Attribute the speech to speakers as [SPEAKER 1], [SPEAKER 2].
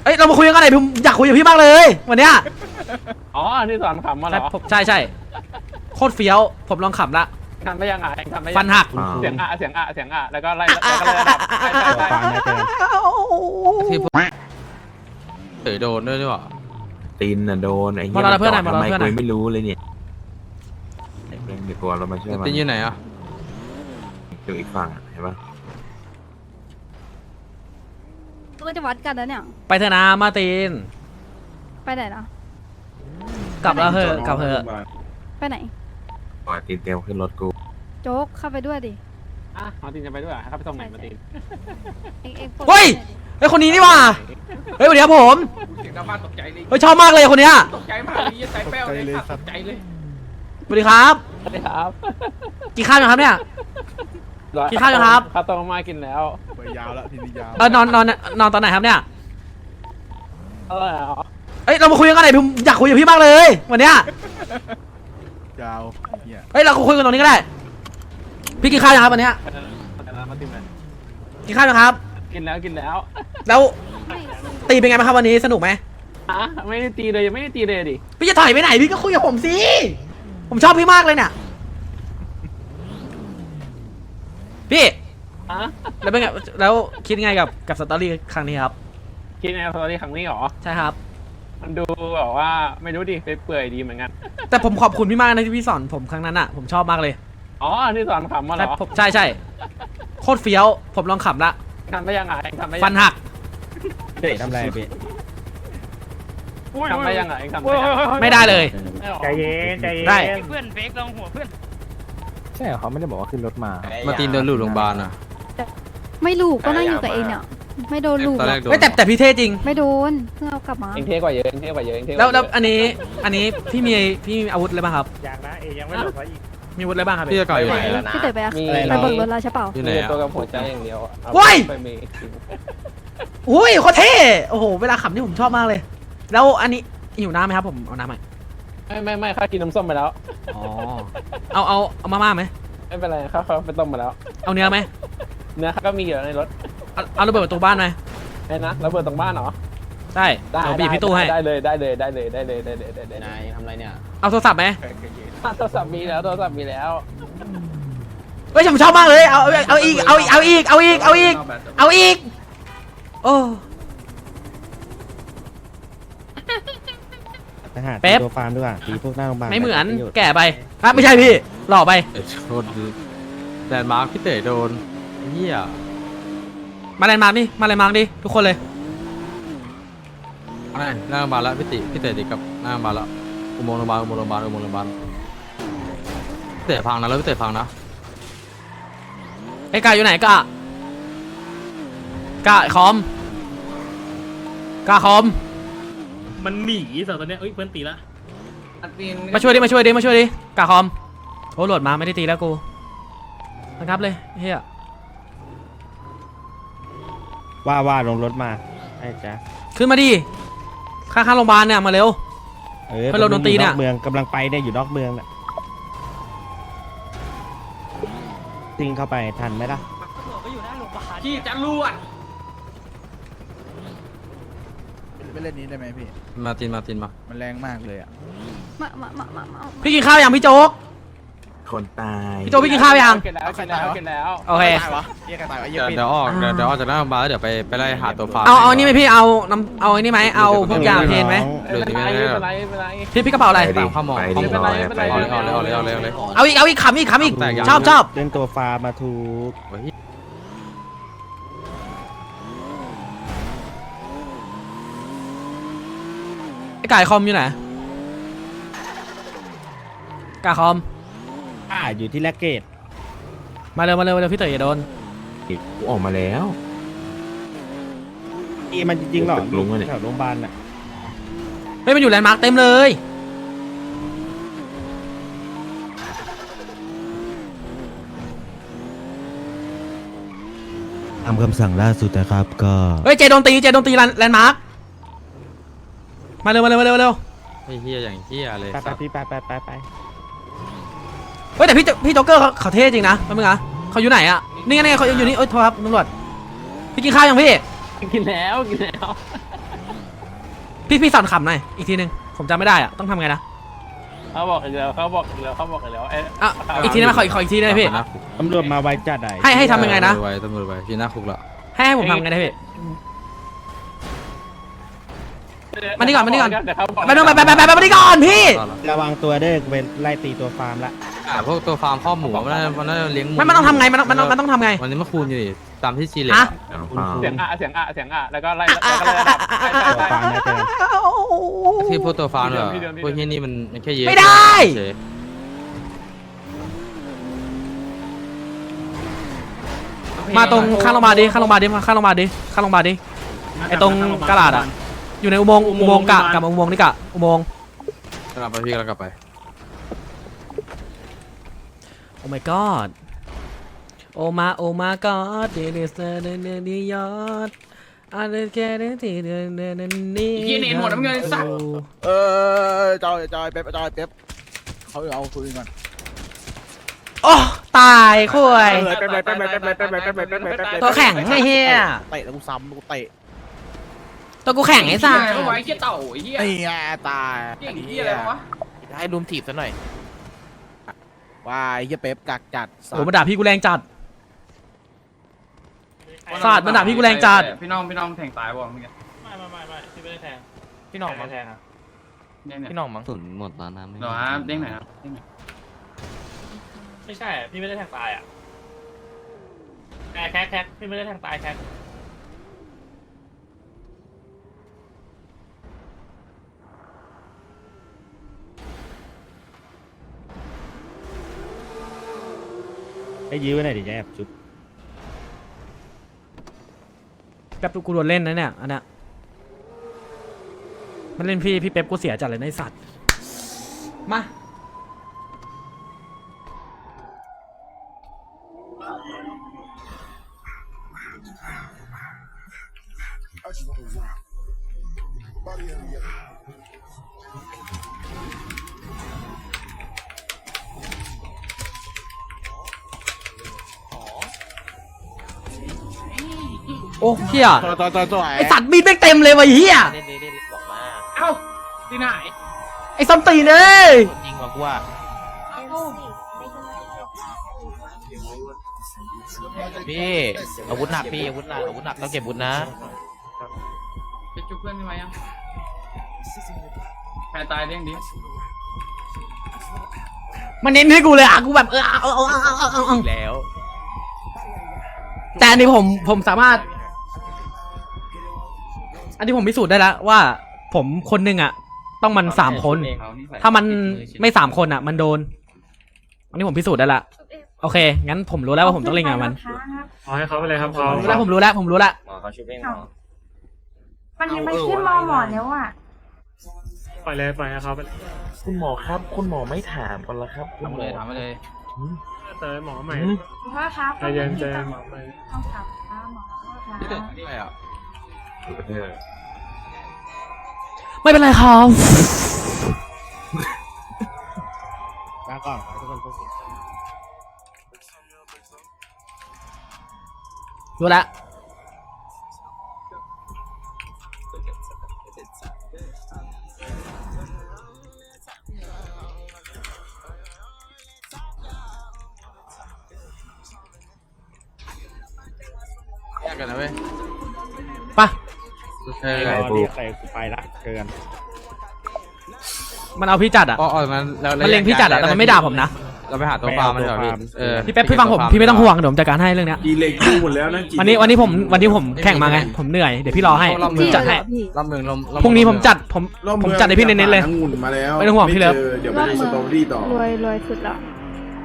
[SPEAKER 1] เอ้ยเรามาคุยกันหน่อยผมอยากคุยกับพี่มากเลยวันเนี้ย
[SPEAKER 2] อ๋อที่สอนขำมาเหรอ
[SPEAKER 1] ใช่โคตรเฟี้ยวผมลองขับละ
[SPEAKER 2] ทำได้ยังไงทำได้ยัง
[SPEAKER 1] ฟันหัก
[SPEAKER 2] เสียงแล้วก็ไล่ระดับ
[SPEAKER 3] ที่โดนด้วยหรือเปล่า
[SPEAKER 4] ตีนน่ะโดนไอ้เหี้ยทำไมกูไม่รู้เลยเนี่ยไอ้เพื่อนเดี๋ยวเรามาช่วยมัน
[SPEAKER 3] ตีนอยู่ไหนอ่ะ
[SPEAKER 4] อยู่อีกฝั่งเห็นปะ
[SPEAKER 5] ก็จะวัดกันแล้วเนี่ย
[SPEAKER 1] ไปเถอะนะมาตีน
[SPEAKER 5] ไปไหนล่ะ
[SPEAKER 1] กลับแล้วเหอะกลับเหอะ
[SPEAKER 5] ไปไหน
[SPEAKER 4] ปล่อยตีนเตรียมขึ้นรถกู
[SPEAKER 5] โจ๊กเข้าไปด้วยดิ
[SPEAKER 2] มาตีนจะไปด้วยครับไปส่งไหนมาตีน
[SPEAKER 1] เฮ้ยไอ้คนนี้นี่ว่าเฮ้ยวันนี้ผม
[SPEAKER 2] เสียงดังมากตกใจเลย
[SPEAKER 1] เฮ้ยชอบมากเลยคนเนี้ย
[SPEAKER 2] ตกใจมากเลยใจแป้วเลยตกใจเลย
[SPEAKER 1] สวัสดีครับ
[SPEAKER 2] สวัสดีครับ
[SPEAKER 1] กินข้าวยังครับเนี่ยกินข้าวยังครับ
[SPEAKER 2] ข้าวต้มมากินแล้ว
[SPEAKER 6] ไปยาวแล้วทีนี้ยาวน
[SPEAKER 1] อนตอนไหนครับเนี่ย
[SPEAKER 2] เอ้ย
[SPEAKER 1] เรามาคุยกันหน่อยผมอยากคุยกับพี่มากเลยวันเนี้ย
[SPEAKER 6] ยาว
[SPEAKER 1] เฮ้ยเราคุยกันตรงนี้ก็ได้พี่กินข้าวยังครับวันเนี้ยกินข้าวยังครับ
[SPEAKER 2] กินแล้ว
[SPEAKER 1] แล้วตีเป็นไงบ้างครับวันนี้สนุกไหม
[SPEAKER 2] ไม่ได้ตีเลยยังไม่ได้ตีเลยดิ
[SPEAKER 1] พี่จะถอยไปไหนพี่ก็คุยกับผมสิผมชอบพี่มากเลยเนี่ยพี่แล้วเป็นไงแล้วคิดไงกับสตอรี่ครั้งนี้ครับ
[SPEAKER 2] คิดไงสตอรี่ครั้งนี้หรอ
[SPEAKER 1] ใช่ครับ
[SPEAKER 2] มันดูแบบว่าไม่รู้ดิไปเปื่อยดีเหมือนกัน
[SPEAKER 1] แต่ผมขอบคุณพี่มากนะที่พี่สอนผมครั้งนั้นอ่ะผมชอบมากเลย
[SPEAKER 2] อ๋อที่สอนขำมาเหรอ
[SPEAKER 1] ใช่โคตรเฟี้ยวผมลองขับละ
[SPEAKER 2] ทำได้ยังไง
[SPEAKER 1] ฟันหัก
[SPEAKER 6] เด็กทำไรพี่
[SPEAKER 2] ทำได้ยังไง
[SPEAKER 1] ไม่ได้เลย
[SPEAKER 6] ใจเย็น
[SPEAKER 1] ได้
[SPEAKER 2] เพื่อนเฟกลงหัวเพื่อน
[SPEAKER 6] ใช่เขาไม่ได้บอกว่าขึ้นรถมา
[SPEAKER 3] ตีนโดนลูกโรงพยาบาลอ่ะ
[SPEAKER 5] ไม่ลูกก็นั่งอยู่กับเองเนี่ยไม่โดนลูก
[SPEAKER 1] แต่พี่เท่จริง
[SPEAKER 5] ไม่โดนเพิ่งเอากลับมา
[SPEAKER 2] เองเท่กว่าเยอะ
[SPEAKER 1] แล้วอันนี้พี่มีอาวุธอะไรบ้างครับ
[SPEAKER 6] อย่างนะยังไม่หลบไว้อีก
[SPEAKER 1] มีอาวุธอะไรบ้างครับ
[SPEAKER 3] พี่จะก่ออยู่ไหน
[SPEAKER 5] พี่เต๋อไปเบิกรถแล้วใช่เปล่า
[SPEAKER 3] อยู่ไหน
[SPEAKER 2] ตัวกับหัวใจอย่างเดียว
[SPEAKER 1] ว้ยอุ้ยโคตรเท่โอ้โหเวลาขับนี่ผมชอบมากเลยแล้วอันนี้หิวน้ำไหมครับผมเอาน้ำไหม
[SPEAKER 2] ไม่ข้ากินน้ำส้มไปแล้ว
[SPEAKER 1] อ๋อเอามาม่าไหม
[SPEAKER 2] ไม่เป็นไรข้าไปต้มมาแล้ว
[SPEAKER 1] เอาเนื้อไหม
[SPEAKER 2] เนื้อก็มีอยู่ในรถ
[SPEAKER 1] เอาระเบิดประตูบ้านไหม
[SPEAKER 2] ไอ้นะระเบิดตรงบ้านเหรอ
[SPEAKER 1] ได้เราบีบพี่ตู้ให้
[SPEAKER 2] ได้เลยนาย
[SPEAKER 3] ทำอะไรเนี่ย
[SPEAKER 1] เอาโทรศัพท์ไหม
[SPEAKER 2] โทรศัพท์มีแล้ว
[SPEAKER 1] เฮ้ยผมชอบมากเลยเอาอีกโอ้
[SPEAKER 6] เป๊ปตัวฟาร์มด้วยตีพวกหน้าโรงพยาบาล
[SPEAKER 1] ไม่เหมือนแก่ไปครับไม่ใช่พี่หล่อไป
[SPEAKER 3] โดนแลนด์มาร์คพี่เต๋โดนเหี้ย
[SPEAKER 1] มาแลนด์มาร์คดิทุกคนเลย
[SPEAKER 3] หน้าโรงพยาบาลแล้วพี่เต๋ติดกับหน้าโรงพยาบาลแล้วอุโมงค์โรงพยาบาลพี่เต๋พังนะแล้วพี่เต๋พังนะ
[SPEAKER 1] ไอ้กาอยู่ไหนกาคอม
[SPEAKER 7] มันหนีสองตัวเนี้ยเพื่อนตีละ
[SPEAKER 1] มาช่วยดิกาคอมโอ้โหลดมาไม่ได้ตีแล้วกูนะครับเลยเฮีย
[SPEAKER 6] ว่าลงรถมาไอ้จ๊ะ
[SPEAKER 1] ขึ้นมาดิข้างโรงพยาบาลเนี่ยมาเร็วเพื่อนเราโดนตีเนี่ย
[SPEAKER 6] เมืองกำลังไปเนี่ยอยู่นอกเมืองน่ะติงเข้าไปทันไหมล่ะ
[SPEAKER 2] ที่จะรวด
[SPEAKER 6] ไปเล่นนี้ได้ไหมพี่
[SPEAKER 3] มาตินมา
[SPEAKER 6] มันแรงมากเลยอ่ะ
[SPEAKER 1] พี่กินข้าวยังพี่โจ๊ก
[SPEAKER 4] คนตาย
[SPEAKER 1] พี่โจ๊กพี่กินข้าวยัง
[SPEAKER 2] กินแล้ว
[SPEAKER 1] โอเค
[SPEAKER 3] เดี๋ยวออกจากหน้าโรงพยาบาลแล้วเดี๋ยวไปไล่หาตัวฟาร์ม
[SPEAKER 1] เอานี่ไหมพี่เอาอันนี้ไหมเอาพวกยาเพนไหมพี่กระเป๋าอะไร
[SPEAKER 3] ข้าวหมอเลย
[SPEAKER 1] เอาอีกขำอีกชอบ
[SPEAKER 6] เล่นตัวฟาร์มมาถูก
[SPEAKER 1] ไอ้ไก่คอมอยู่ไหนกาคอม
[SPEAKER 6] อยู่ที่แลกเกต
[SPEAKER 1] มาเร็วพี่เต๋ออย่าโดน
[SPEAKER 4] กูออกมาแล้ว
[SPEAKER 6] มันจริงๆหรอลุงแถวโรงพยาบาลน่ะ
[SPEAKER 1] ไม่มันอยู่แลนด์มาร์คเต็มเลย
[SPEAKER 6] ตามคำสั่งล่าสุดนะครับก็
[SPEAKER 1] เฮ้ยเจโดนตีแลนด์มาร์คมาเร็ว
[SPEAKER 3] ไอ้เหี้ยอย่างเหี้ยเลย
[SPEAKER 6] ไป
[SPEAKER 1] เฮ้ยแต่พี่โจ๊กเกอร์เขาเท่จริงนะมึงอะเขาอยู่ไหนอะนี่ไงเขาอยู่นี่โทษครับตำรวจพี่กินข้าวยังพี่
[SPEAKER 2] กินแล้ว
[SPEAKER 1] พี่สอนขำหน่อยอีกทีนึงผมจำไม่ได้อะต้องทำไงนะ
[SPEAKER 2] เขาบอกอีกแล้วเขาบอกอีกแล้วเขาบอกอีกแล้วไอ้
[SPEAKER 1] อ่ะอีกทีนึงนะขออีกทีได้ไหมพี่
[SPEAKER 6] ตำรวจมาไวจัดไหน
[SPEAKER 1] ให้ทำยังไงนะ
[SPEAKER 3] ตำรวจไว้ที่หน้าคุกละ
[SPEAKER 1] ให้ผมทำไงได้พี่มานี่ก่อน
[SPEAKER 2] เดี๋ยวเขาบอก
[SPEAKER 1] ไปมานี่ก่อนพี่
[SPEAKER 6] ระวังตัวเด้อกูเป็นไล่ตีตัวฟาร์มละ
[SPEAKER 3] พวกตัวฟาร์มข้อหมูมันน่าจะเลี้ยงหมู
[SPEAKER 1] มันต้องทำไงมันต้องทำไง
[SPEAKER 3] วันนี้มาคูณอยู่ดิตามที่จีเลย
[SPEAKER 1] ฮะ
[SPEAKER 2] เสียงอ่ะแล้วก็ไล่
[SPEAKER 6] ตัวฟาร์มนะเจอ
[SPEAKER 3] ที่พวกตัวฟาร์มเหรอ
[SPEAKER 2] พี่เดิม
[SPEAKER 3] พวกที่นี่มันแค่เยอะ
[SPEAKER 1] ไม่ได้
[SPEAKER 3] เฉย
[SPEAKER 1] มาตรงข้างโรงพยาบาลดิข้างโรงพยาบาลดิไอ้ตรงกระดาษอะอยู่ในอุโมงค์กับอุโมงค์นี่กะอุโมงค์
[SPEAKER 3] กลับไปพี่กลับไป
[SPEAKER 1] โอ้ my god โอมา god เดลิสเตอร์เดยอดอาร์เดแกเดทีเดนี่
[SPEAKER 7] ยี่เนนหมดน้ำเงินสัก
[SPEAKER 8] จอยเป๊ปเขาเอาคุยกัน
[SPEAKER 1] โอ้ตายคุย
[SPEAKER 8] เป๊ป
[SPEAKER 1] ตัวแข็งไอ้เหี้ย
[SPEAKER 8] เตะแล้วกูซ้ำกูเตะ
[SPEAKER 1] ตัวกูแข็งไอ้สัส
[SPEAKER 7] ไว้เหี้ยเต่าไอ้เหี้ย
[SPEAKER 8] ไอ้ไงตาย
[SPEAKER 7] เหี้ยเหี้ยอะไรวะ
[SPEAKER 8] ให้ลุมถีบซะหน่อยว่าไอ้เหี้ยเป๊ปกักจัด
[SPEAKER 1] โอ้มาด่าพี่กูแรงจัดสาดมันด่าพี่กูแรงจัด
[SPEAKER 7] พี่น้องแทงตายบ่เมื่อกี้
[SPEAKER 2] ไม่พี่ไม่ได้แทง
[SPEAKER 7] พี่น้องมั้ง
[SPEAKER 2] แทงอ่ะ
[SPEAKER 7] พี่น้องมั้ง
[SPEAKER 3] สุนหมดตอนนั้น
[SPEAKER 7] เหรอครับเด้งไหนครับ
[SPEAKER 2] ไม่ใช่พี่ไม่ได้แทงตายอ่ะแคกพี่ไม่ได้แทงตายแคก
[SPEAKER 6] ให้ยื้อไว้หน่อยดิแอบจุ๊บ
[SPEAKER 1] แป๊บกูโดนเล่นนะเนี่ยอันเนี้ยมันเล่นพี่เป๊ปกูเสียจัดเลยนะไอ้สัตว์มาโอ้เฮีย
[SPEAKER 8] ตัว
[SPEAKER 1] ไอสัตว์มีดแม่งเต็มเลยวะเฮีย
[SPEAKER 7] เอ้าที่ไหน
[SPEAKER 1] ไอซอมตีนเลย
[SPEAKER 8] จริงกว่ากูว่า พี่อาวุธหนักอาวุธหนักต้องเก็บอาวุธนะ
[SPEAKER 7] จะจุกเพื่อนพี่ไหมยังใครตายเด้งดิ
[SPEAKER 1] มันเน้นให้กูเลยอ่ะกูแบบเอา
[SPEAKER 8] แล้ว
[SPEAKER 1] แต่อันนี้ผมสามารถ อันนี้ผมพิสูจน์ได้แล้วว่า ผมคนหนึ่งอ่ะ ต้องมัน3 คน ถ้ามันไม่3 คนอ่ะ มันโดน อันนี้ผมพิสูจน์ได้ละโอเคงั้นผมรู้แล้วว่าผมต้องเล่นกับมัน
[SPEAKER 2] ขอให้เขาไปเลยครับเขา
[SPEAKER 1] ผมรู้แล้ว
[SPEAKER 9] มันยังไม่ขึ้นมอหมอแล้วอ่ะ
[SPEAKER 2] ปล่อยให้เขาไป
[SPEAKER 4] คุณหมอครับคุณหมอไม่ถามกันแล้วครับคุณหมอ
[SPEAKER 7] ถามมาเลย
[SPEAKER 2] เตยหมอใหม่
[SPEAKER 9] พ่อครับ
[SPEAKER 2] ใจเย็นหมอใหม่
[SPEAKER 9] ต้องขับหมอครับ
[SPEAKER 3] นี่อะไรอ่ะ
[SPEAKER 1] ไม่เป็นไรครับ
[SPEAKER 6] มาก่อนทุกคนพวก
[SPEAKER 1] รู้แล้ว
[SPEAKER 3] แยกกันนะเว้ย
[SPEAKER 1] ไป
[SPEAKER 3] โอเค
[SPEAKER 6] เรียกใครกูไปละเชิญ
[SPEAKER 1] มันเอาพี่จัดอ่ะ
[SPEAKER 3] มัน
[SPEAKER 1] มันเล็งพี่จัดอ่ะแต่มันไม่ด่าผมนะ
[SPEAKER 3] เราไปหาตัวฟาร์มมันเถอะพี่
[SPEAKER 1] พี่เป๊ปพี่ฟังผมพี่ไม่ต้องห่วงเดี๋ยวผมจัดการให้เรื่องเนี้ย
[SPEAKER 4] กีเล็กกู้หมดแล้วนะ
[SPEAKER 1] วันนี้ผมแข่งมาไงผมเหนื่อยเดี๋ยวพี่รอให้ผมจัดให้
[SPEAKER 3] รอบเมือง
[SPEAKER 1] พรุ่งนี้ผมจัดให้พี่เน้นๆเลย
[SPEAKER 4] องุ่นมาแล้ว
[SPEAKER 1] ไม่ต้องห่วงพี่เลิฟ
[SPEAKER 4] เดี๋ยวไปสตรอเบอรี่ต่อ
[SPEAKER 5] รวยสุดละ